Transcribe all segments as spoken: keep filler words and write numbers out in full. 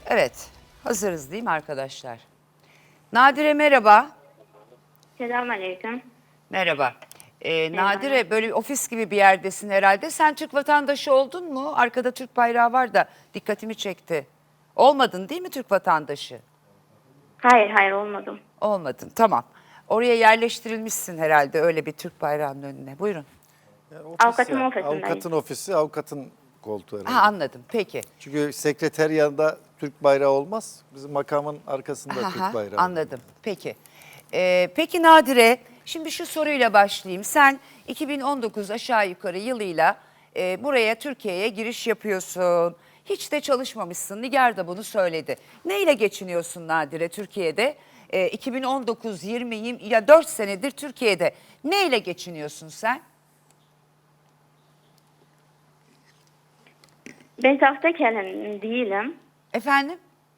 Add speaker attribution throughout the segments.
Speaker 1: Evet, hazırız değil mi arkadaşlar? Nadire merhaba.
Speaker 2: Selamünaleyküm.
Speaker 1: Merhaba. Ee,
Speaker 2: Merhaba.
Speaker 1: Nadire böyle bir ofis gibi bir yerdesin herhalde. Sen Türk vatandaşı oldun mu? Arkada Türk bayrağı var da dikkatimi çekti. Olmadın değil mi Türk vatandaşı?
Speaker 2: Hayır hayır olmadım.
Speaker 1: Olmadın, tamam. Oraya yerleştirilmişsin herhalde öyle bir Türk bayrağının önüne. Buyurun.
Speaker 3: Yani ofis
Speaker 2: Avukatın
Speaker 3: ya.
Speaker 2: ofisindeyim.
Speaker 3: Avukatın ofisi, avukatın koltuğu herhalde.
Speaker 1: Ha anladım, peki.
Speaker 3: Çünkü sekreter yanında Türk bayrağı olmaz. Bizim makamın arkasında
Speaker 1: Aha,
Speaker 3: Türk bayrağı.
Speaker 1: anladım, peki. Ee, peki Nadire, şimdi şu soruyla başlayayım. Sen iki bin on dokuz aşağı yukarı yılıyla e, buraya Türkiye'ye giriş yapıyorsun. Hiç de çalışmamışsın. Nigar da bunu söyledi. Neyle geçiniyorsun Nadire Türkiye'de? E, iki bin on dokuz, yirmi, yirmi ya dört senedir Türkiye'de. Neyle geçiniyorsun sen?
Speaker 2: Ben sahtekarım değilim.
Speaker 1: Efendim?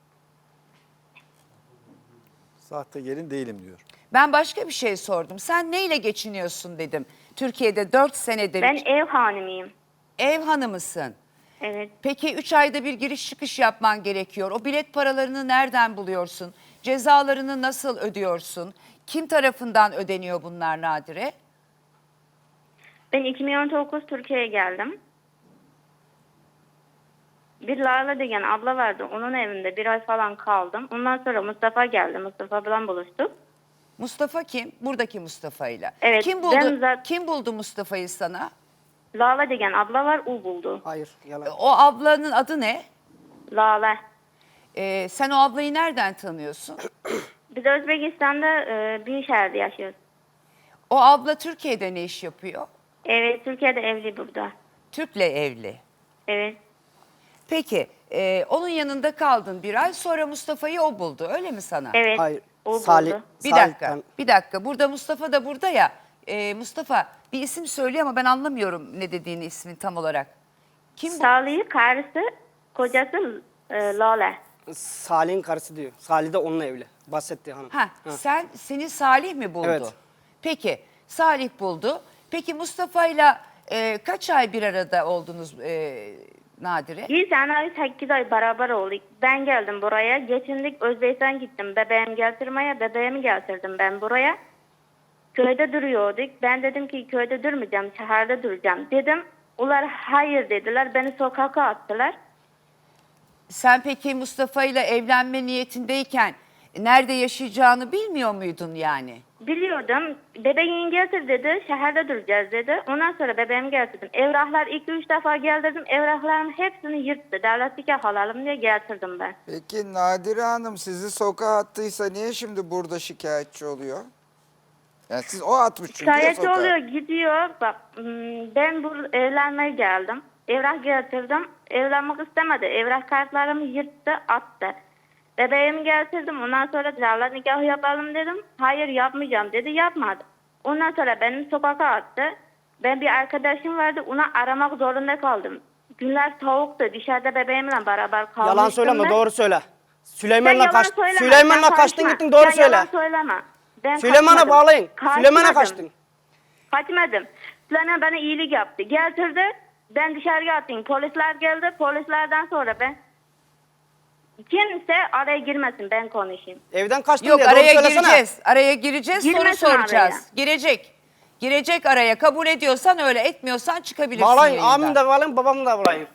Speaker 3: Sahte gelin değilim diyor.
Speaker 1: Ben başka bir şey sordum. Sen neyle geçiniyorsun dedim. Türkiye'de dört senedir
Speaker 2: Ben ev hanımıyım.
Speaker 1: ev hanımısın.
Speaker 2: Evet.
Speaker 1: Peki üç ayda bir giriş çıkış yapman gerekiyor. O bilet paralarını nereden buluyorsun? Cezalarını nasıl ödüyorsun? Kim tarafından ödeniyor bunlar Nadire?
Speaker 2: Ben iki bin on dokuz Türkiye'ye geldim. Bir Lala degen abla vardı. Onun evinde bir ay falan kaldım. Ondan sonra Mustafa geldi. Mustafa falan buluştuk.
Speaker 1: Mustafa kim? Buradaki Mustafa ile.
Speaker 2: Evet,
Speaker 1: Kim
Speaker 2: ben
Speaker 1: buldu?
Speaker 2: zaten-
Speaker 1: Kim buldu Mustafa'yı sana?
Speaker 2: Lala degen abla var. O buldu.
Speaker 4: Hayır, yalan.
Speaker 1: O ablanın adı ne?
Speaker 2: Lala.
Speaker 1: Ee, sen o ablayı nereden tanıyorsun?
Speaker 2: Biz Özbekistan'da e, bir şehirde yaşıyoruz.
Speaker 1: O abla Türkiye'de ne iş yapıyor?
Speaker 2: Evet, Türkiye'de evli burada.
Speaker 1: Türk'le evli.
Speaker 2: Evet.
Speaker 1: Peki e, onun yanında kaldın bir ay, sonra Mustafa'yı o buldu, öyle mi sana?
Speaker 2: Evet.
Speaker 4: Hayır.
Speaker 2: O
Speaker 4: Salih,
Speaker 2: buldu.
Speaker 1: Bir
Speaker 4: Salih,
Speaker 1: dakika,
Speaker 4: ben-
Speaker 1: bir dakika. Burada Mustafa da burada ya. Ee, Mustafa bir isim söylüyor ama ben anlamıyorum ne dediğini, ismin tam olarak. Kim bu?
Speaker 2: Salih'in karısı, kocası e, Lala.
Speaker 4: Salih'in karısı diyor. Salih de onunla evli. Bahsetti hanım.
Speaker 1: Ha, sen seni Salih mi buldu?
Speaker 4: Evet.
Speaker 1: Peki, Salih buldu. Peki Mustafa'yla e, kaç ay bir arada oldunuz e, Nadire?
Speaker 2: Bir sene sekiz ay beraber olduk. Ben geldim buraya. Geçindik Özbekistan gittim. Bebeğimi getirmeye. Bebeğimi getirdim ben buraya. Köyde duruyorduk. Ben dedim ki köyde durmayacağım. Şehirde duracağım dedim. Onlar hayır dediler. Beni sokağa attılar.
Speaker 1: Sen peki Mustafa'yla evlenme niyetindeyken nerede yaşayacağını bilmiyor muydun yani?
Speaker 2: Biliyordum. Bebeğini getir dedi. Şehirde duracağız dedi. Ondan sonra bebeğimi getirdim. Evraklar iki üç defa geldirdim. Evrakların hepsini yırttı. Devlet nikah alalım diye getirdim ben.
Speaker 5: Peki Nadire Hanım sizi sokağa attıysa niye şimdi burada şikayetçi oluyor? Yani siz o atmış çünkü ya
Speaker 2: Şikayetçi
Speaker 5: sokağa.
Speaker 2: oluyor, gidiyor. Bak hmm, ben burada evlenmeye geldim. Evrak getirdim. Evlenmek istemedi. Evrak kartlarımı yırttı, attı. Bebeğimi getirdim. Ondan sonra devlet nikahı yapalım dedim. Hayır yapmayacağım dedi. Yapmadı. Ondan sonra beni sokağa attı. Ben bir arkadaşım vardı. Onu aramak zorunda kaldım. Günler soğuktu. Dışarıda bebeğimle beraber kalmıştım.
Speaker 4: Yalan söyleme,
Speaker 2: ben.
Speaker 4: doğru söyle.
Speaker 2: Sen
Speaker 4: Süleyman'la
Speaker 2: yalan
Speaker 4: kaç,
Speaker 2: söyleme,
Speaker 4: Süleyman'la
Speaker 2: sen
Speaker 4: kaçtın
Speaker 2: karışma.
Speaker 4: gittin, doğru
Speaker 2: Sen yalan
Speaker 4: söyle.
Speaker 2: söyleme. Ben
Speaker 4: Süleyman'a
Speaker 2: kaçmadım.
Speaker 4: bağlayın. Süleyman'a
Speaker 2: Kaçmadım.
Speaker 4: kaçtın.
Speaker 2: Kaçmadım. Süleyman bana iyilik yaptı. Getirdi. Ben dışarıya attım. Polisler geldi. Polislerden sonra ben kimse araya girmesin, ben konuşayım.
Speaker 4: Evden kaçtın
Speaker 1: Yok,
Speaker 4: diye doğru
Speaker 1: araya
Speaker 4: söylesene.
Speaker 1: gireceğiz. Araya gireceğiz,
Speaker 2: Girmesin
Speaker 1: soru soracağız.
Speaker 2: araya.
Speaker 1: Girecek. Girecek araya. Kabul ediyorsan öyle, etmiyorsan çıkabilirsin
Speaker 4: Bağlayın,
Speaker 1: yayından.
Speaker 4: amin de bağlayın, babamı da bağlayın.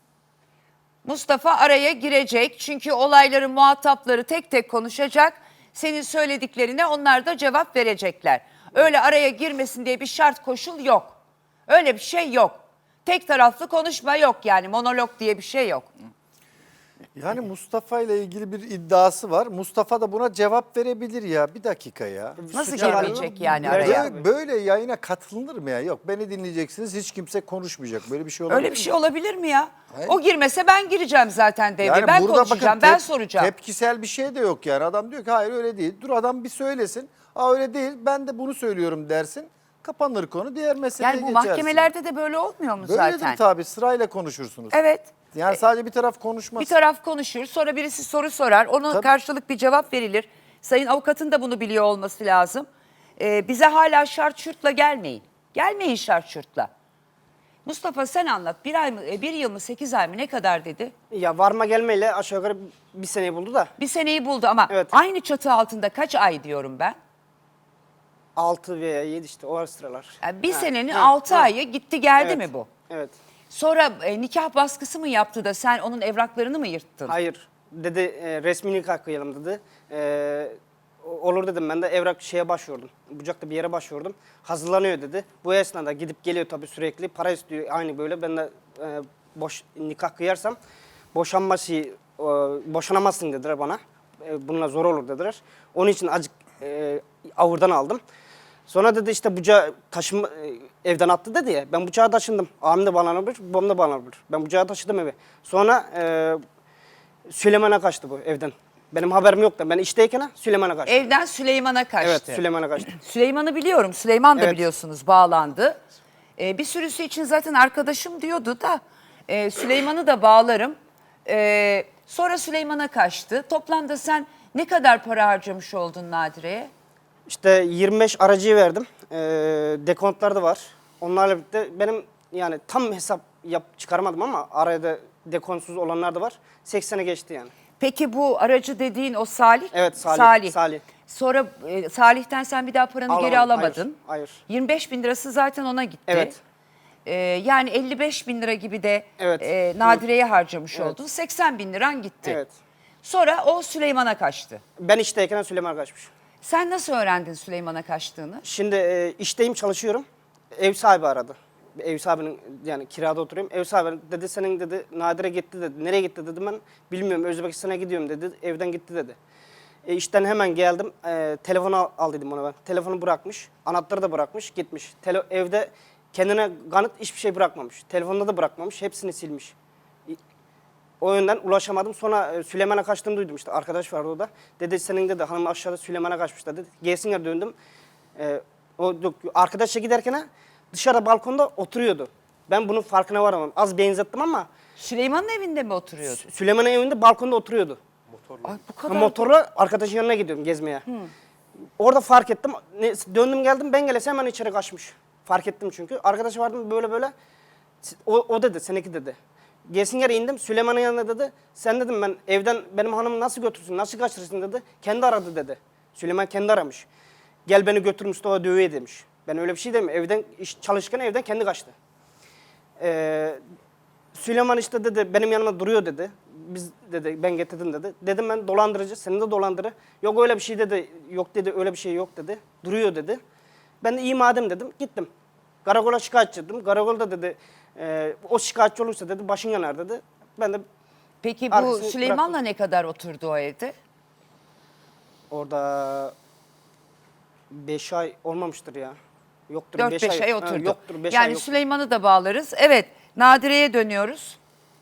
Speaker 1: Mustafa araya girecek çünkü olayların muhatapları tek tek konuşacak. Senin söylediklerine onlar da cevap verecekler. Öyle araya girmesin diye bir şart koşul yok. Öyle bir şey yok. Tek taraflı konuşma yok, yani monolog diye bir şey yok.
Speaker 3: Yani Mustafa ile ilgili bir iddiası var. Mustafa da buna cevap verebilir ya. Bir dakika ya.
Speaker 1: Nasıl
Speaker 4: Suça var
Speaker 1: girmeyecek
Speaker 4: mı?
Speaker 1: yani
Speaker 4: Böyle-
Speaker 1: araya?
Speaker 3: Böyle, böyle yayına katılınır mı ya? Yok, beni dinleyeceksiniz, hiç kimse konuşmayacak. Böyle bir şey olabilir
Speaker 1: Öyle bir
Speaker 3: mi?
Speaker 1: şey olabilir mi ya?
Speaker 3: Hayır.
Speaker 1: O girmese ben gireceğim zaten devreye.
Speaker 3: Yani
Speaker 1: ben
Speaker 3: burada
Speaker 1: konuşacağım,
Speaker 3: bakın,
Speaker 1: ben
Speaker 3: tep-
Speaker 1: soracağım.
Speaker 3: Tepkisel bir şey de yok yani. Adam diyor ki hayır öyle değil. Dur adam bir söylesin. Aa öyle değil, ben de bunu söylüyorum dersin. Kapanır konu, diğer meseleye
Speaker 1: Yani bu
Speaker 3: geçersin.
Speaker 1: mahkemelerde de böyle olmuyor mu
Speaker 3: Böyledir
Speaker 1: zaten?
Speaker 3: tabii, sırayla konuşursunuz.
Speaker 1: Evet.
Speaker 3: Yani sadece bir taraf konuşmaz.
Speaker 1: Bir taraf konuşur, sonra birisi soru sorar, ona
Speaker 3: Tabii.
Speaker 1: karşılık bir cevap verilir. Sayın avukatın da bunu biliyor olması lazım. Ee, bize hala şart şurtla gelmeyin. Gelmeyin şart şurtla. Mustafa sen anlat. Bir ay mı, e, bir yıl mı, sekiz ay mı, ne kadar dedi?
Speaker 4: Ya varma gelmeyle aşağı yukarı bir seneyi buldu da
Speaker 1: Bir seneyi buldu ama
Speaker 4: Evet.
Speaker 1: aynı çatı altında kaç ay diyorum ben?
Speaker 4: altı veya yedi işte o sıralar.
Speaker 1: Yani bir
Speaker 4: Ha,
Speaker 1: senenin
Speaker 4: ha,
Speaker 1: altı
Speaker 4: ha.
Speaker 1: ayı gitti geldi
Speaker 4: Evet,
Speaker 1: mi bu?
Speaker 4: Evet.
Speaker 1: Sonra e, nikah baskısı mı yaptı da sen onun evraklarını mı yırttın?
Speaker 4: Hayır. Dedi e, resmi nikah kıyalım dedi. E, o- olur dedim, ben de evrak şeye başvurdum. Bucak'ta bir yere başvurdum. Hazırlanıyor dedi. Bu esnada gidip geliyor tabii sürekli. Para istiyor aynı böyle. Ben de e, boş nikah kıyarsam boşanması, e, boşanamazsın dediler bana. E, bununla zor olur dediler. Onun için acık e, avurdan aldım. Sonra dedi işte bucağı taşıma, e, evden attı dedi ya. Ben bucağı taşındım. Abim de bağlanabilir, babam da bağlanabilir. Ben bucağı taşıdım eve. Sonra e, Süleyman'a kaçtı bu evden. Benim haberim yok da ben işteyken Süleyman'a kaçtı.
Speaker 1: Evden Süleyman'a kaçtı.
Speaker 4: Evet, Süleyman'a kaçtı.
Speaker 1: Süleyman'ı biliyorum. Süleyman da
Speaker 4: Evet.
Speaker 1: biliyorsunuz bağlandı. Ee, bir sürüsü için zaten arkadaşım diyordu da e, Süleyman'ı da bağlarım. Ee, sonra Süleyman'a kaçtı. Toplamda sen ne kadar para harcamış oldun Nadire'ye?
Speaker 4: İşte yirmi beş aracıyı verdim. E, dekontlar da var. Onlarla birlikte benim yani tam hesap yap çıkarmadım ama arada dekontsuz olanlar da var. seksene geçti yani.
Speaker 1: Peki bu aracı dediğin o Salih?
Speaker 4: Evet, Salih, Salih.
Speaker 1: Sonra e, Salih'ten sen bir daha paranı
Speaker 4: Alamadım,
Speaker 1: geri alamadın.
Speaker 4: hayır, hayır.
Speaker 1: yirmi beş bin lirası zaten ona gitti.
Speaker 4: Evet.
Speaker 1: Ee, yani elli beş bin lira gibi de
Speaker 4: Evet.
Speaker 1: e, Nadire'ye harcamış
Speaker 4: Evet.
Speaker 1: oldun. seksen bin liran gitti.
Speaker 4: Evet.
Speaker 1: Sonra o Süleyman'a kaçtı.
Speaker 4: Ben işteyken Süleyman'a kaçmış.
Speaker 1: Sen nasıl öğrendin Süleyman'a kaçtığını?
Speaker 4: Şimdi e, işteyim, çalışıyorum. Ev sahibi aradı. Ev sahibinin, yani kirada oturuyorum. Ev sahibi dedi senin dedi Nadire gitti dedi. Nereye gitti dedim, ben bilmiyorum, Özbekistan'a gidiyorum dedi. Evden gitti dedi. E, işten hemen geldim. E, telefonu al, al dedim ona ben. Telefonu bırakmış. Anahtarı da bırakmış, gitmiş. Tele, evde kendine kanıt hiçbir şey bırakmamış. Telefonda da bırakmamış. Hepsini silmiş. E, O yönden ulaşamadım. Sonra e, Süleyman'a kaçtığını duydum işte. Arkadaş vardı o da. Dedi senin dedi hanım aşağıda Süleyman'a kaçmış dedi. Gelsinler döndüm. E, o arkadaşla giderken dışarıda balkonda oturuyordu. Ben bunun farkına varamadım. Az benzettim ama
Speaker 1: Süleyman'ın evinde mi oturuyordu?
Speaker 4: Süleyman'ın evinde balkonda oturuyordu.
Speaker 1: Ay, bu
Speaker 4: Ha,
Speaker 1: kadar.
Speaker 4: motorla arkadaşın yanına gidiyorum gezmeye. Orada fark ettim. Ne, döndüm geldim, ben gelese hemen içeri kaçmış. Fark ettim çünkü. Arkadaşı vardı böyle böyle. O, o dedi, seninki dedi. Gelsin yere indim. Süleyman'ın yanına dedi. Sen dedim ben evden benim hanımı nasıl götürsün, nasıl kaçırırsın dedi. Kendi aradı dedi. Süleyman kendi aramış. Gel beni götür Mustafa dövüye demiş. Ben öyle bir şey demiyorum. Evden iş çalışırken evden kendi kaçtı. Ee, Süleyman işte dedi benim yanıma duruyor dedi. Biz dedi ben getirdim dedi. Dedim ben dolandırıcı, seni de dolandırı. Yok öyle bir şey dedi. Yok dedi, öyle bir şey yok dedi. Duruyor dedi. Ben de iyi madem dedim, gittim. Karakola şikayetçi ettim. Karakolda dedi e, o şikayetçi olursa dedi başın yanar dedi. Ben de
Speaker 1: Peki bu
Speaker 4: Arkasını
Speaker 1: Süleyman'la
Speaker 4: bıraktım.
Speaker 1: ne kadar oturdu o evde?
Speaker 4: orada beş ay olmamıştır ya. Yoktur
Speaker 1: dört
Speaker 4: beş
Speaker 1: beş ay
Speaker 4: Ha,
Speaker 1: oturdu.
Speaker 4: yoktur beş ay
Speaker 1: yani
Speaker 4: yoktur.
Speaker 1: Süleyman'ı da bağlarız. Evet, Nadire'ye dönüyoruz.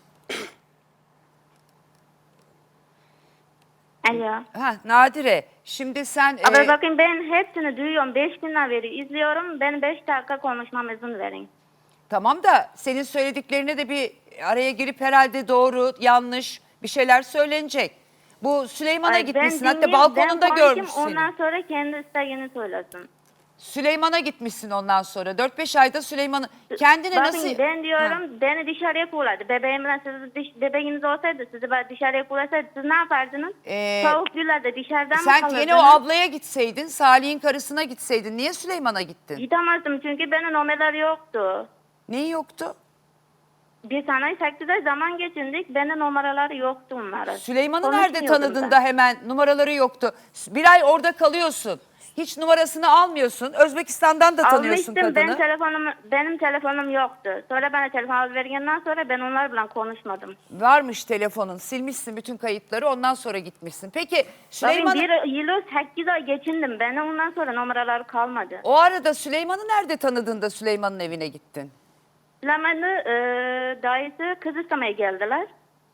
Speaker 2: Alo.
Speaker 1: Ha, Nadire, şimdi sen...
Speaker 2: Abi
Speaker 1: e,
Speaker 2: bakın ben hepsini duyuyorum. Beş günden beri izliyorum. Ben beş dakika konuşmam izin verin.
Speaker 1: Tamam da senin söylediklerine de bir araya girip herhalde doğru, yanlış bir şeyler söylenecek. Bu Süleyman'a
Speaker 2: Ay,
Speaker 1: gitmişsin.
Speaker 2: ben
Speaker 1: Hatta
Speaker 2: dinleyeyim,
Speaker 1: balkonunda
Speaker 2: ben konuşayım,
Speaker 1: görmüş seni.
Speaker 2: ondan sonra kendi isteğini söylesin.
Speaker 1: Süleyman'a gitmişsin ondan sonra. dört beş ayda Süleyman'ı... Kendine
Speaker 2: Bakın
Speaker 1: nasıl...
Speaker 2: ben diyorum
Speaker 1: Ha.
Speaker 2: beni dışarıya kulladı. Bebeğimle siz dış, bebeğiniz olsaydı sizi ben dışarıya kullasaydı siz ne yapardınız?
Speaker 1: Ee,
Speaker 2: Soğuk günlerde dışarıdan mı
Speaker 1: Sen
Speaker 2: kalırdınız?
Speaker 1: yine o ablaya gitseydin, Salih'in karısına gitseydin. Niye Süleyman'a gittin?
Speaker 2: Gidemezdim çünkü benim numaraları yoktu.
Speaker 1: Neyi yoktu?
Speaker 2: Bir sene sekiz ay zaman geçindik. Benim numaraları yoktu onların.
Speaker 1: Süleyman'ı nerede
Speaker 2: Konuşmuyordum
Speaker 1: tanıdın
Speaker 2: ben.
Speaker 1: da hemen numaraları yoktu? Bir ay orada kalıyorsun. Hiç numarasını almıyorsun. Özbekistan'dan da tanıyorsun
Speaker 2: Almıştım, ben
Speaker 1: kadını.
Speaker 2: telefonum, benim telefonum yoktu. Sonra bana telefon alıvergenden sonra ben onlarla konuşmadım.
Speaker 1: Varmış telefonun. Silmişsin bütün kayıtları. Ondan sonra gitmişsin. Peki
Speaker 2: Bakın
Speaker 1: Süleyman'ı...
Speaker 2: bir yılı sekiz ay geçindim. Benim ondan sonra numaraları kalmadı.
Speaker 1: O arada Süleyman'ı nerede tanıdın da Süleyman'ın evine gittin?
Speaker 2: Süleyman'ı e, dayısı kız istemeye geldiler.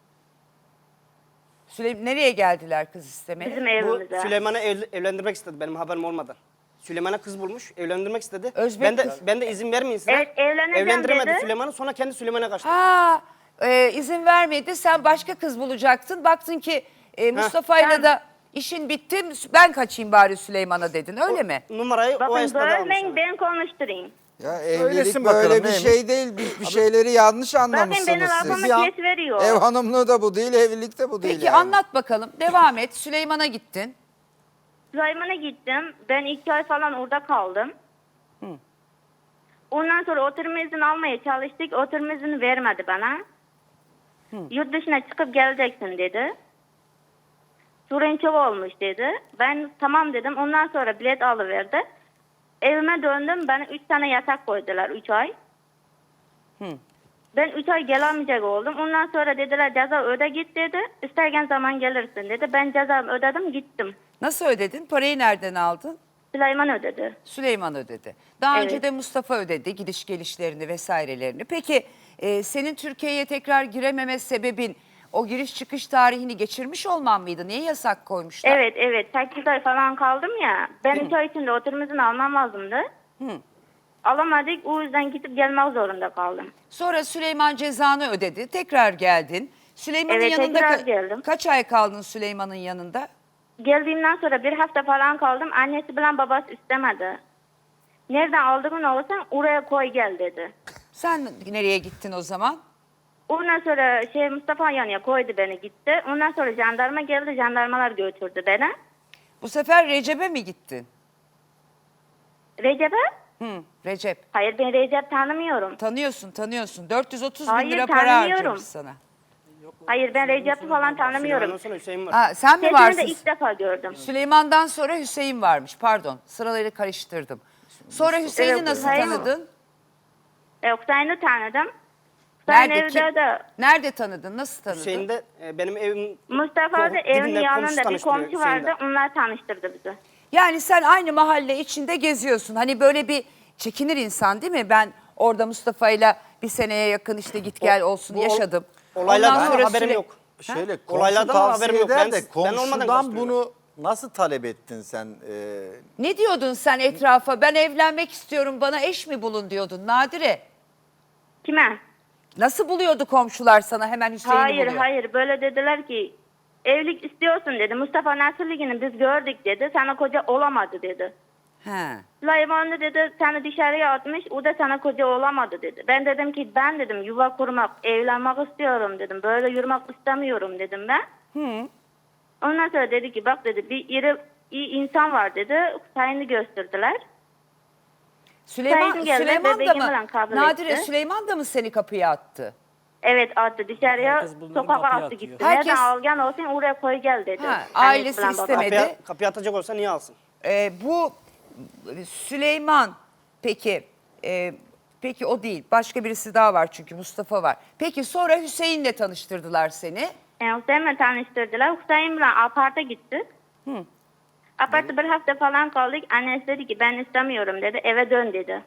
Speaker 1: Süleyman nereye geldiler kız istemeye?
Speaker 2: Bizim
Speaker 4: Bu
Speaker 2: evimize.
Speaker 4: Süleyman'ı ev- evlendirmek istedi benim haberim olmadan. Süleyman'a kız bulmuş, evlendirmek istedi.
Speaker 1: Özbek
Speaker 4: ben de
Speaker 1: kız.
Speaker 4: ben de izin vermeyin size.
Speaker 2: Evet, evleneceğim
Speaker 4: Evlendiremedi
Speaker 2: dedi.
Speaker 4: Süleyman'ı, sonra kendi Süleyman'a kaçtı.
Speaker 1: Ha, e, izin vermedi. Sen başka kız bulacaktın. Baktın ki e, Mustafa'yla
Speaker 2: ben-
Speaker 1: da işin bitti. Ben kaçayım bari Süleyman'a dedin. Öyle mi?
Speaker 4: Numarayı o
Speaker 2: Bakın
Speaker 4: esnada almış.
Speaker 2: bölmeyin
Speaker 4: yani.
Speaker 2: ben konuşturayım.
Speaker 5: Ya evlilik
Speaker 3: Söylesin
Speaker 5: böyle
Speaker 3: bakalım
Speaker 5: bir
Speaker 3: neymiş?
Speaker 5: şey değil. Bir, bir şeyleri yanlış
Speaker 2: Zaten
Speaker 5: anlamışsınız
Speaker 2: beni
Speaker 5: siz.
Speaker 2: lafıma
Speaker 3: Ya.
Speaker 2: kes veriyor.
Speaker 5: Ev hanımlığı da bu değil, evlilik de bu değil
Speaker 1: Peki
Speaker 5: yani.
Speaker 1: anlat bakalım. Devam et. Süleyman'a gittin.
Speaker 2: Süleyman'a gittim. Ben iki ay falan orada kaldım. Ondan sonra oturma izni almaya çalıştık. Oturma izni vermedi bana. Yurt dışına çıkıp geleceksin dedi. Sorun çok olmuş dedi. Ben tamam dedim. Ondan sonra bilet alıverdi. Evime döndüm. Bana üç tane yatak koydular. Üç ay. Ben üç ay gelemeyecek oldum. Ondan sonra dediler ceza öde git dedi. İsterken zaman gelirsin dedi. Ben cezamı ödedim gittim.
Speaker 1: Nasıl ödedin? Parayı nereden aldın?
Speaker 2: Süleyman ödedi.
Speaker 1: Süleyman ödedi. Daha
Speaker 2: Evet.
Speaker 1: önce de Mustafa ödedi gidiş gelişlerini vesairelerini. Peki e, senin Türkiye'ye tekrar girememe sebebin o giriş çıkış tarihini geçirmiş olman mıydı? Niye yasak koymuşlar?
Speaker 2: Evet evet. sekiz ay falan kaldım ya. Ben üç ay içinde oturma izni almam lazımdı. Alamadık. O yüzden gidip gelmek zorunda kaldım.
Speaker 1: Sonra Süleyman cezanı ödedi. Tekrar geldin. Süleyman'ın
Speaker 2: Evet,
Speaker 1: yanında
Speaker 2: tekrar
Speaker 1: ka-
Speaker 2: geldim.
Speaker 1: kaç ay kaldın Süleyman'ın yanında?
Speaker 2: Geldiğimden sonra bir hafta falan kaldım. Annesi bilen babası istemedi. Nereden aldığın olursan oraya koy gel dedi.
Speaker 1: Sen nereye gittin o zaman?
Speaker 2: Ondan sonra şey Mustafa yanına koydu beni gitti. Ondan sonra jandarma geldi. Jandarmalar götürdü beni.
Speaker 1: Bu sefer Recep'e mi gittin?
Speaker 2: Recep'e?
Speaker 1: Hı, Recep.
Speaker 2: Hayır ben Recep tanımıyorum.
Speaker 1: Tanıyorsun tanıyorsun. dört yüz otuz bin
Speaker 2: Hayır,
Speaker 1: lira para
Speaker 2: tanımıyorum.
Speaker 1: harcamış sana.
Speaker 2: Hayır ben Recep'i falan
Speaker 4: Süleyman'dan
Speaker 2: tanımıyorum.
Speaker 4: sonra Hüseyin var.
Speaker 1: Ha, sen mi
Speaker 2: Sesini de
Speaker 1: varsın?
Speaker 2: ilk defa gördüm.
Speaker 1: Süleyman'dan sonra Hüseyin varmış. Pardon. Sıraları karıştırdım. Sonra Hüseyin'i
Speaker 2: Evet,
Speaker 1: nasıl
Speaker 2: Hüseyin.
Speaker 1: tanıdın?
Speaker 2: E, Hüseyin'i tanıdım. Hüseyin
Speaker 1: Nerede?
Speaker 2: evde
Speaker 1: Kim-
Speaker 2: de
Speaker 1: Nerede tanıdın? Nasıl tanıdın?
Speaker 4: Hüseyin de e, benim evim...
Speaker 2: Mustafa da
Speaker 4: Dibinde
Speaker 2: evin
Speaker 4: komşu
Speaker 2: yanında bir
Speaker 4: tanıştırıyor
Speaker 2: komşu
Speaker 4: Hüseyin de.
Speaker 2: vardı. Onlar tanıştırdı bizi.
Speaker 1: Yani sen aynı mahalle içinde geziyorsun. Hani böyle bir çekinir insan değil mi? Ben orada Mustafa'yla bir seneye yakın işte git gel olsun
Speaker 4: bu ol-
Speaker 1: yaşadım.
Speaker 4: olaylardan
Speaker 1: Ondan sonra
Speaker 4: haberim
Speaker 1: Süle-
Speaker 4: yok.
Speaker 3: Şöyle komşu
Speaker 4: Olaylardan
Speaker 3: tavsiye
Speaker 4: haberim yok.
Speaker 3: eder
Speaker 4: Ben-
Speaker 3: de
Speaker 4: ben olmadan
Speaker 3: komşudan
Speaker 4: karıştırıyorum.
Speaker 3: bunu nasıl talep ettin sen? Ee,
Speaker 1: Ne diyordun sen etrafa? Ben evlenmek istiyorum bana eş mi bulun diyordun Nadire.
Speaker 2: Kime?
Speaker 1: Nasıl buluyordu komşular sana hemen Hüseyin'i
Speaker 2: Hayır
Speaker 1: buluyor?
Speaker 2: hayır böyle dediler ki evlilik istiyorsun dedi. Mustafa Nasırlıgini biz gördük dedi. Sana koca olamadı dedi.
Speaker 1: He.
Speaker 2: Süleyman da dedi seni dışarıya atmış o da sana koca olamadı dedi. Ben dedim ki ben dedim yuva kurmak, evlenmek istiyorum dedim. Böyle yürümek istemiyorum dedim ben.
Speaker 1: Hı.
Speaker 2: Ondan sonra dedi ki bak dedi bir iri iyi insan var dedi. Hüseyin'i gösterdiler.
Speaker 1: Süleyman,
Speaker 2: Saygın geldi,
Speaker 1: Süleyman da
Speaker 2: bebeğimi
Speaker 1: mı?
Speaker 2: falan kabul
Speaker 1: Nadire
Speaker 2: etti.
Speaker 1: Süleyman da mı seni kapıya attı?
Speaker 2: Evet attı dışarıya
Speaker 6: Herkes bunların
Speaker 2: sokağa
Speaker 6: kapıya
Speaker 2: attı
Speaker 6: atıyor.
Speaker 2: gitti.
Speaker 1: Herkes-
Speaker 2: Nereden algan olsun oraya koy gel dedi.
Speaker 1: Ha,
Speaker 2: Annesi
Speaker 1: ailesi
Speaker 2: falan babası.
Speaker 1: istemedi.
Speaker 4: Kapıya, kapıya atacak olsa niye alsın?
Speaker 1: Ee, bu Süleyman peki e, peki o değil. Başka birisi daha var çünkü Mustafa var. Peki sonra Hüseyin'le tanıştırdılar seni.
Speaker 2: E, Hüseyin'le tanıştırdılar. Hüseyin ile aparta gittik. Apartta bir hafta falan kaldık. Annesi dedi ki ben istemiyorum dedi. Eve dön dedi.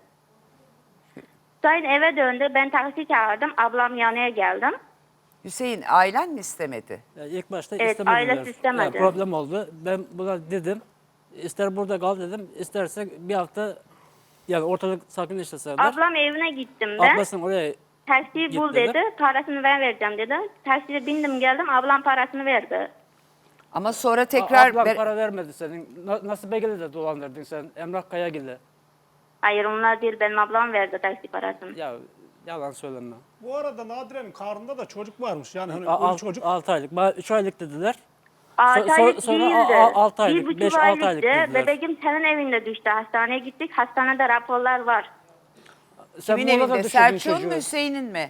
Speaker 2: Hüseyin eve döndü. Ben taksi çağırdım. Ablam yanına geldim.
Speaker 1: Hüseyin ailen mi istemedi?
Speaker 6: Yani ilk başta
Speaker 2: Evet,
Speaker 6: istemediler.
Speaker 2: ailesi istemedi.
Speaker 6: Yani problem oldu. Ben buna dedim, ister burada kal dedim, isterse bir hafta yani ortalık sakinleştirseler.
Speaker 2: Ablam evine gittim ben.
Speaker 6: Ablasının oraya
Speaker 2: Taksiyi
Speaker 6: Git
Speaker 2: bul
Speaker 6: dedi.
Speaker 2: dedi. Parasını ben vereceğim dedi. Taksiye bindim geldim. Ablam parasını verdi.
Speaker 1: Ama sonra
Speaker 6: tekrar
Speaker 1: tekrar
Speaker 6: ablam
Speaker 1: ver-
Speaker 6: para vermedi senin. Na- nasıl belgeli de dolandırdın sen Emrah Kayagil'le.
Speaker 2: Hayır onlar değil benim ablam verdi taksi parasını.
Speaker 6: Ya yalan söyleme.
Speaker 7: Bu arada Nadire'nin karnında da çocuk varmış. Yani hani
Speaker 6: A-
Speaker 7: o
Speaker 6: alt-
Speaker 7: çocuk
Speaker 6: altı aylık. Bana üç aylık dediler.
Speaker 2: Altı
Speaker 6: So- so-
Speaker 2: aylık
Speaker 6: sonra
Speaker 2: değildi.
Speaker 6: a- a- altı aylık,
Speaker 2: Bir buçuk
Speaker 6: beş, altı aylık
Speaker 2: aylıktı.
Speaker 6: dediler.
Speaker 2: Bebeğim senin evinde düştü. Hastaneye gittik. Hastanede raporlar var.
Speaker 6: Sen
Speaker 1: kimin
Speaker 6: Muğla'da
Speaker 1: evinde?
Speaker 6: düşürdün
Speaker 1: Selçuk'un
Speaker 6: çocuğu.
Speaker 1: mu Hüseyin'in mi?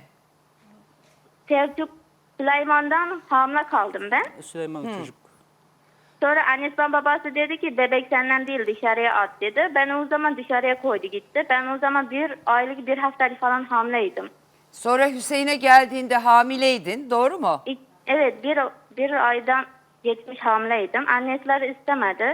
Speaker 2: Selçuk Süleyman'dan hamile kaldım ben.
Speaker 6: Süleyman çocuk.
Speaker 2: Sonra annesi babası dedi ki bebek senden değil dışarıya at dedi. Ben o zaman dışarıya koydu gitti. Ben o zaman bir aylık bir haftalık falan hamileydim.
Speaker 1: Sonra Hüseyin'e geldiğinde hamileydin doğru mu?
Speaker 2: İlk- Evet bir, bir aydan geçmiş hamileydim. Annesiler istemedi.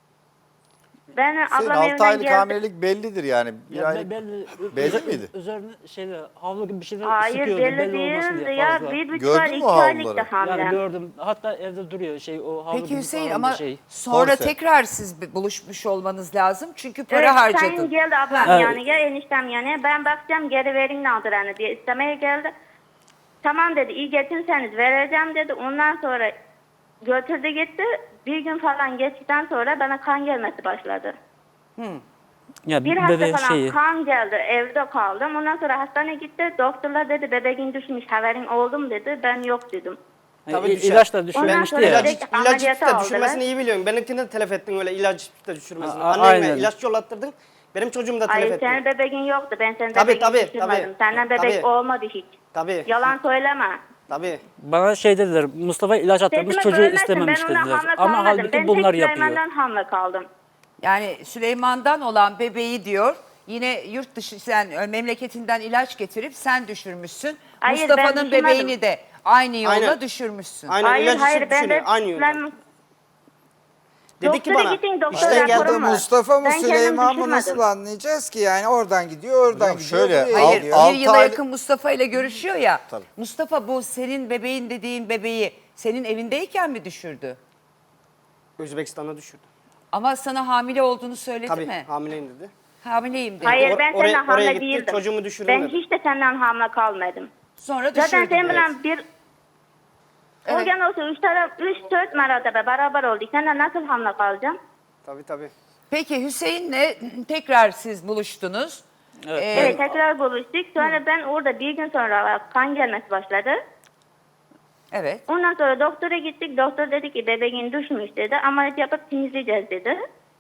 Speaker 2: Ben
Speaker 3: senin
Speaker 2: ablam
Speaker 3: altı
Speaker 2: evinden
Speaker 3: aylık
Speaker 2: geldi.
Speaker 3: hamilelik bellidir yani. Bir
Speaker 6: Ya
Speaker 3: aylık
Speaker 6: be- belli,
Speaker 3: belli
Speaker 6: üzer-
Speaker 3: miydi?
Speaker 6: Üzerine şeyle havlu gibi bir şeyler
Speaker 2: Hayır
Speaker 6: sıkıyordu
Speaker 2: belli,
Speaker 6: belli olmasın
Speaker 2: değildi
Speaker 6: diye
Speaker 2: ya.
Speaker 6: fazla.
Speaker 2: Bir buçuk
Speaker 3: Gördün
Speaker 2: ay,
Speaker 3: mü
Speaker 2: iki
Speaker 3: o
Speaker 2: aylık
Speaker 3: havluları?
Speaker 2: da hamile.
Speaker 6: Yani gördüm. Hatta evde duruyor şey o havlu
Speaker 1: Peki
Speaker 6: gibi
Speaker 1: Hüseyin
Speaker 6: falan
Speaker 1: ama
Speaker 6: bir şey.
Speaker 1: sonra
Speaker 3: Korse.
Speaker 1: tekrar siz bir buluşmuş olmanız lazım. Çünkü para
Speaker 2: Evet,
Speaker 1: harcadın.
Speaker 2: sen geldi ablam
Speaker 6: Ha.
Speaker 2: yani gel eniştem yani. Ben bakacağım geri verin Nadire'ni diye istemeye geldi. Tamam dedi iyi getirseniz vereceğim dedi. Ondan sonra götürdü gitti. Bir gün falan geçtikten sonra bana kan gelmesi başladı.
Speaker 6: Ya
Speaker 2: Bir hafta
Speaker 6: bebeğin
Speaker 2: falan
Speaker 6: şeyi.
Speaker 2: kan geldi, evde kaldım. Ondan sonra hastaneye gitti. Doktorlar dedi bebeğin düşmüş, haberin oldu mu dedi. Ben yok dedim.
Speaker 4: Tabii
Speaker 6: Yani
Speaker 4: düşer.
Speaker 6: ilaç da
Speaker 2: Ondan
Speaker 6: düşürmüştü
Speaker 2: sonra
Speaker 6: ya.
Speaker 2: direkt-
Speaker 4: İlaç, ilaç
Speaker 2: ameliyata
Speaker 4: de
Speaker 2: aldılar.
Speaker 4: düşürmesini iyi biliyorsun. Benimkini de telef ettin öyle ilaç de düşürmesini.
Speaker 6: A- a-
Speaker 4: Annenle
Speaker 6: aynen.
Speaker 4: ilaç yollattırdın. Benim çocuğumu da telef
Speaker 2: Hayır
Speaker 4: ettin.
Speaker 2: senin bebeğin yoktu. Ben senin
Speaker 4: Tabii,
Speaker 2: bebeğini
Speaker 4: tabii,
Speaker 2: düşürmedim.
Speaker 4: tabii.
Speaker 2: Senden bebek
Speaker 4: Tabii.
Speaker 2: olmadı hiç.
Speaker 4: Tabii.
Speaker 2: Yalan söyleme.
Speaker 4: Tabii.
Speaker 6: Bana şey dediler, Mustafa ilaç attırmış,
Speaker 2: Sesimi
Speaker 6: çocuğu
Speaker 2: bölmesin.
Speaker 6: istememiş
Speaker 2: Ben ona
Speaker 6: dediler.
Speaker 2: hamle
Speaker 6: Ama
Speaker 2: kalmadım.
Speaker 6: halbuki
Speaker 2: Ben
Speaker 6: bunlar
Speaker 2: tek
Speaker 6: yapıyor.
Speaker 2: Süleyman'dan hamle kaldım.
Speaker 1: Yani Süleyman'dan olan bebeği diyor yine yurt dışı sen e, memleketinden ilaç getirip sen düşürmüşsün.
Speaker 2: Hayır, ben
Speaker 1: Mustafa'nın
Speaker 2: düşürmedim.
Speaker 1: bebeğini de aynı yolla
Speaker 4: Aynen.
Speaker 1: düşürmüşsün.
Speaker 4: Aynen
Speaker 2: Hayır
Speaker 4: ilacı
Speaker 2: hayır
Speaker 4: sırf
Speaker 2: ben
Speaker 4: düşürüyor.
Speaker 2: de
Speaker 4: Aynı yolda.
Speaker 2: ben
Speaker 4: Dedi ki
Speaker 2: doktora
Speaker 4: bana.
Speaker 2: gidin, doktor
Speaker 4: İşten
Speaker 2: raporum
Speaker 4: geldim.
Speaker 5: Burada
Speaker 2: var.
Speaker 5: Mustafa mı
Speaker 2: Ben kendim
Speaker 5: Süleyman mı
Speaker 2: düşürmedim.
Speaker 5: nasıl anlayacağız ki? Yani oradan gidiyor, oradan
Speaker 3: Hocam
Speaker 5: gidiyor.
Speaker 3: şöyle,
Speaker 5: buraya
Speaker 1: Hayır,
Speaker 5: geliyor.
Speaker 3: Altı
Speaker 1: bir yıla
Speaker 3: ay-
Speaker 1: yakın Mustafa ile görüşüyor ya.
Speaker 3: Tabii.
Speaker 1: Mustafa bu senin bebeğin dediğin bebeği senin evindeyken mi düşürdü?
Speaker 4: Özbekistan'a düşürdü.
Speaker 1: Ama sana hamile olduğunu söyledi
Speaker 4: Tabii
Speaker 1: mi?
Speaker 4: hamileyim dedi.
Speaker 1: Hamileyim dedi.
Speaker 2: Hayır
Speaker 4: Or-
Speaker 2: ben
Speaker 4: oraya-
Speaker 2: senden
Speaker 4: oraya
Speaker 2: hamle
Speaker 4: gitti,
Speaker 2: değildim.
Speaker 4: çocuğumu düşürdüm
Speaker 2: Ben
Speaker 4: dedi.
Speaker 2: hiç de senden hamle kalmadım.
Speaker 1: Sonra
Speaker 2: Zaten
Speaker 1: düşürdü.
Speaker 2: sen bilen bir
Speaker 1: Evet.
Speaker 2: o gene olsa üç taraf, üç dört mertebe beraber olduk. Senden nasıl hamle kalacağım?
Speaker 4: Tabii tabii.
Speaker 1: Peki Hüseyin'le tekrar siz buluştunuz.
Speaker 6: Evet.
Speaker 1: Ee,
Speaker 2: Evet tekrar buluştuk. Sonra ben orada bir gün sonra kan gelmesi başladı.
Speaker 1: Evet.
Speaker 2: Ondan sonra doktora gittik. Doktor dedi ki bebeğin düşmüş dedi. Ameliyat yapıp temizleyeceğiz dedi.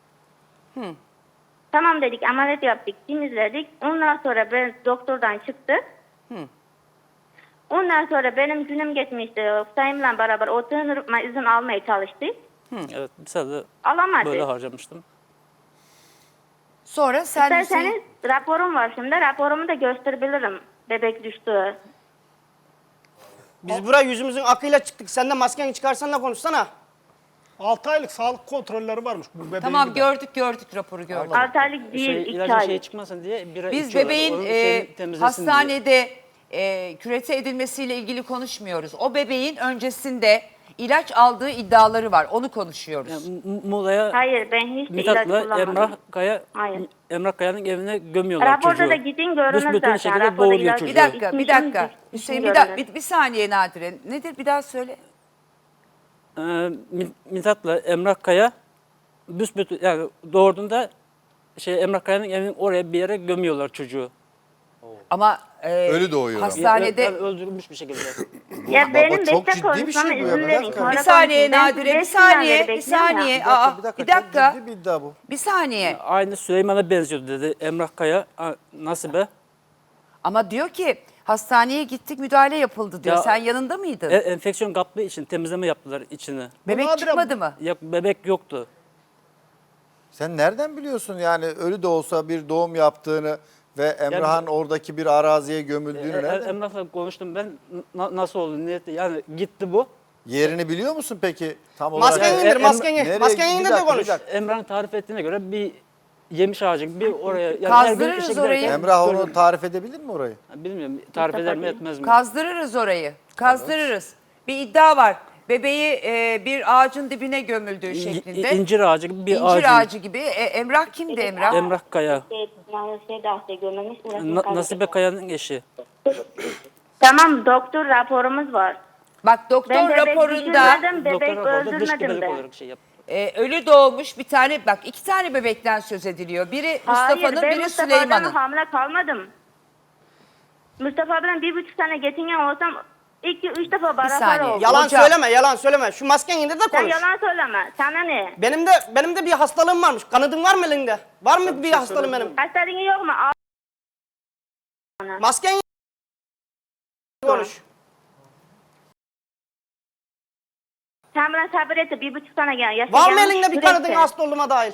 Speaker 2: Tamam dedik ameliyat yaptık temizledik. Ondan sonra ben doktordan çıktı. Ondan sonra benim günüm geçmişti. Sayımla beraber oturma izin almaya çalıştık.
Speaker 6: Evet, bir sene
Speaker 2: Alamadık.
Speaker 6: böyle harcamıştım.
Speaker 1: Sonra sen Hüseyin...
Speaker 2: İsterseniz raporum var şimdi. Raporumu da gösterebilirim. Bebek düştü.
Speaker 4: Biz buraya yüzümüzün akıyla çıktık. Sen de maskeni çıkarsan da konuşsana.
Speaker 7: altı aylık sağlık kontrolleri varmış bu bebeğin.
Speaker 1: Tamam
Speaker 7: bir de.
Speaker 1: gördük gördük raporu gördük.
Speaker 2: altı aylık değil,
Speaker 6: Şey,
Speaker 2: iki
Speaker 6: ilacın şeyi
Speaker 2: aylık.
Speaker 6: çıkmasın diye bira
Speaker 1: Biz
Speaker 6: içiyorlar.
Speaker 1: bebeğin
Speaker 6: Onun
Speaker 1: e,
Speaker 6: şeyini temizlesin diye.
Speaker 1: hastanede e, kürete edilmesiyle ilgili konuşmuyoruz. O bebeğin öncesinde ilaç aldığı iddiaları var. Onu konuşuyoruz.
Speaker 6: Yani M- Muğla'ya
Speaker 2: Hayır ben hiç de ilaç
Speaker 6: Mithat'la
Speaker 2: kullanmadım.
Speaker 6: Emrah Kaya
Speaker 2: Hayır.
Speaker 6: Emrah Kaya'nın evine gömüyorlar çocuğu.
Speaker 2: Raporda da gidin görünür
Speaker 6: Büsbütün
Speaker 2: zaten.
Speaker 6: şekilde
Speaker 2: Raporda
Speaker 6: doğuruyor
Speaker 2: ilaç-
Speaker 6: çocuğu.
Speaker 1: bir dakika, bir
Speaker 2: İçmişim,
Speaker 1: dakika.
Speaker 2: içmişim
Speaker 1: Hüseyin bir,
Speaker 2: görünür.
Speaker 1: da- bir, bir saniye Nadire. Nedir bir daha söyle.
Speaker 6: Ee, Mi- Mithat'la Emrah Kaya büsbütün yani doğurduğunda şey Emrah Kaya'nın evinin oraya bir yere gömüyorlar çocuğu.
Speaker 1: Ama e,
Speaker 3: Ölü doğuyor ama.
Speaker 1: hastanede...
Speaker 6: Yani öldürülmüş bir şekilde.
Speaker 2: Ya benim
Speaker 3: çok
Speaker 2: bekle
Speaker 3: ciddi bir şey
Speaker 2: konuşmama
Speaker 3: bu ya.
Speaker 2: izin
Speaker 3: Bir
Speaker 2: verin.
Speaker 3: dakika.
Speaker 2: sonra
Speaker 1: bir saniye
Speaker 2: konuşayım. Ben
Speaker 1: Nadire, bir
Speaker 2: beş günden
Speaker 1: saniye,
Speaker 2: beri
Speaker 1: bir
Speaker 2: bekliyorum ya.
Speaker 1: saniye. Aa, bir dakika.
Speaker 3: Çok ciddi bir iddia bu.
Speaker 1: Bir saniye.
Speaker 6: Aynı Süleyman'a benziyordu dedi Emrah Kaya. A- Nasibe.
Speaker 1: Ama diyor ki hastaneye gittik müdahale yapıldı diyor.
Speaker 6: Ya-
Speaker 1: Sen yanında mıydın?
Speaker 6: E, enfeksiyon kaptığı için temizleme yaptılar içini.
Speaker 1: Bebek
Speaker 7: Nadire-
Speaker 1: çıkmadı mı?
Speaker 6: Yok bebek yoktu.
Speaker 3: Sen nereden biliyorsun yani ölü de olsa bir doğum yaptığını ve Emrah'ın oradaki bir araziye gömüldüğünü
Speaker 6: E, e,
Speaker 3: nereden?
Speaker 6: Emrah'la konuştum ben. Na- nasıl oldu? Niyeti? Yani gitti bu.
Speaker 3: Yerini biliyor musun peki? Tam olarak.
Speaker 4: Maskeni
Speaker 6: e,
Speaker 4: indir
Speaker 6: em-
Speaker 4: maskeni.
Speaker 3: Nereye-
Speaker 4: Maskeni
Speaker 3: bir
Speaker 4: indir de
Speaker 3: dakika, bir
Speaker 4: konuş.
Speaker 3: dakika.
Speaker 6: Emrah'ın tarif ettiğine göre bir yemiş ağacı gibi bir oraya. Yani
Speaker 1: Kazdırırız
Speaker 6: her gün işe
Speaker 1: orayı.
Speaker 6: giderken
Speaker 3: Emrah
Speaker 6: gördüm.
Speaker 3: onu tarif edebilir mi orayı?
Speaker 6: Bilmiyorum tarif eder mi etmez mi?
Speaker 1: Kazdırırız orayı. Kazdırırız. Bir iddia var. Bebeği e, bir ağacın dibine gömüldüğü
Speaker 6: İ-
Speaker 1: şeklinde.
Speaker 6: i- İncir ağacı gibi bir
Speaker 1: İncir
Speaker 6: ağacın.
Speaker 1: ağacı gibi. E, Emrah kimdi Emrah?
Speaker 6: Emrah Kaya.
Speaker 2: Şey, yani şey de hasta görmemiş, burasını
Speaker 6: Na-
Speaker 2: kaybettim.
Speaker 6: Nasibe Kaya'nın eşi.
Speaker 2: Tamam doktor raporumuz var.
Speaker 1: Bak doktor
Speaker 2: Ben bebek
Speaker 1: raporunda
Speaker 2: düşürmedim,
Speaker 6: Doktor
Speaker 2: bebek
Speaker 6: raporda dış
Speaker 2: öldürmedim
Speaker 6: gebelik
Speaker 2: ben.
Speaker 6: olarak şey yaptı.
Speaker 1: e, ölü doğmuş bir tane bak iki tane bebekten söz ediliyor. Biri
Speaker 2: Hayır
Speaker 1: Mustafa'nın
Speaker 2: ben
Speaker 1: biri
Speaker 2: Mustafa'dan
Speaker 1: Süleyman'ın.
Speaker 2: hamile kalmadım. Mustafa'dan bir buçuk sene geçingen olsam iki üç defa beraber
Speaker 1: saniye.
Speaker 2: oldum.
Speaker 4: Yalan
Speaker 1: Hocam.
Speaker 4: söyleme, yalan söyleme. Şu maskeni indir de
Speaker 2: Sen
Speaker 4: konuş.
Speaker 2: yalan söyleme. Sana ne?
Speaker 4: Benim de benim de bir hastalığım varmış. Kanadın var mı elinde? Var mı bir hastalığım benim?
Speaker 2: Hastalığın yok mu? Al.
Speaker 4: Maskeni konuş.
Speaker 2: Sen bana sabır et. Bir buçuk sene gel. Yaşa
Speaker 4: Var mı
Speaker 2: gelmiş,
Speaker 4: elinde bir
Speaker 2: sürekli.
Speaker 4: kanadın hasta olduğuma dahil?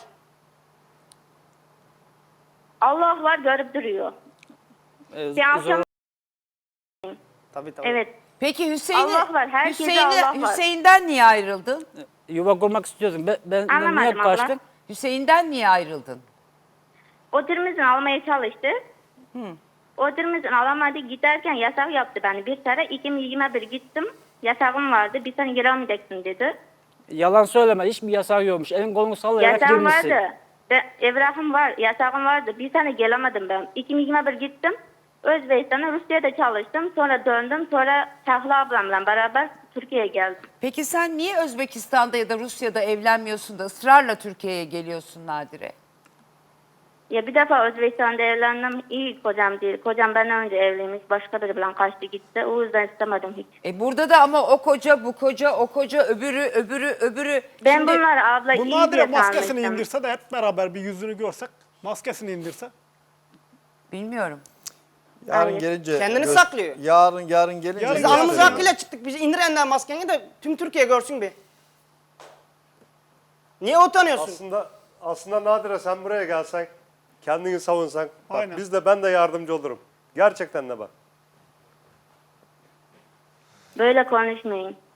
Speaker 2: Allah var görüp duruyor.
Speaker 6: Ee,
Speaker 2: Bir akşam
Speaker 6: zor-
Speaker 4: Tabii tabii.
Speaker 2: evet.
Speaker 1: Peki Hüseyin'i
Speaker 2: Allah var, herkese
Speaker 1: Hüseyin'i-
Speaker 2: Allah var.
Speaker 1: Hüseyin'den niye ayrıldın?
Speaker 6: Yuva kurmak istiyordum. Ben, ben, ben
Speaker 2: Anlamadım
Speaker 6: niye
Speaker 2: abla.
Speaker 6: kaçtım?
Speaker 1: Hüseyin'den niye ayrıldın?
Speaker 2: Oturumuzun almaya çalıştı. Oturumuzun alamadı. Giderken yasak yaptı beni. Bir sene iki bin yirmi bir gittim. Yasağım vardı. Bir sene giremeyeceksin dedi.
Speaker 6: Yalan söyleme. Hiçbir yasağı yokmuş. Elin kolunu sallayarak
Speaker 2: Yasağım
Speaker 6: girmişsin.
Speaker 2: vardı. Ve evrahım var. Yasağım vardı. Bir sene gelemedim ben. iki bin yirmi bir gittim. Özbekistan'a, Rusya'da çalıştım. Sonra döndüm. Sonra Tahla ablamla beraber Türkiye'ye geldim.
Speaker 1: Peki sen niye Özbekistan'da ya da Rusya'da evlenmiyorsun da ısrarla Türkiye'ye geliyorsun Nadire?
Speaker 2: Ya bir defa Özbekistan'da evlendim. İyi kocam değil. Kocam benden önce evliymiş. Başka biriyle kaçtı gitti. O yüzden istemedim hiç.
Speaker 1: E burada da ama o koca, bu koca, o koca, öbürü, öbürü, öbürü.
Speaker 2: Ben
Speaker 1: Şimdi-
Speaker 2: bunları abla
Speaker 7: Bu
Speaker 2: iyi
Speaker 7: Nadire
Speaker 2: diye
Speaker 7: maskesini
Speaker 2: tanımıştım.
Speaker 7: indirse de hep beraber bir yüzünü görsek. Maskesini indirse.
Speaker 1: Bilmiyorum.
Speaker 3: Yarın
Speaker 2: Hayır.
Speaker 3: gelince
Speaker 4: Kendini
Speaker 3: gö-
Speaker 4: saklıyor.
Speaker 3: Yarın yarın gelince
Speaker 7: Yarın
Speaker 4: Biz
Speaker 7: Gösteriyor.
Speaker 4: alnımız hakkıyla çıktık. Biz indir enden maskeni de tüm Türkiye görsün bir. Niye utanıyorsun?
Speaker 8: Aslında aslında Nadire sen buraya gelsen, kendini savunsan, bak
Speaker 7: Aynen.
Speaker 8: biz de ben de yardımcı olurum. Gerçekten de bak.
Speaker 2: Böyle konuşmayın.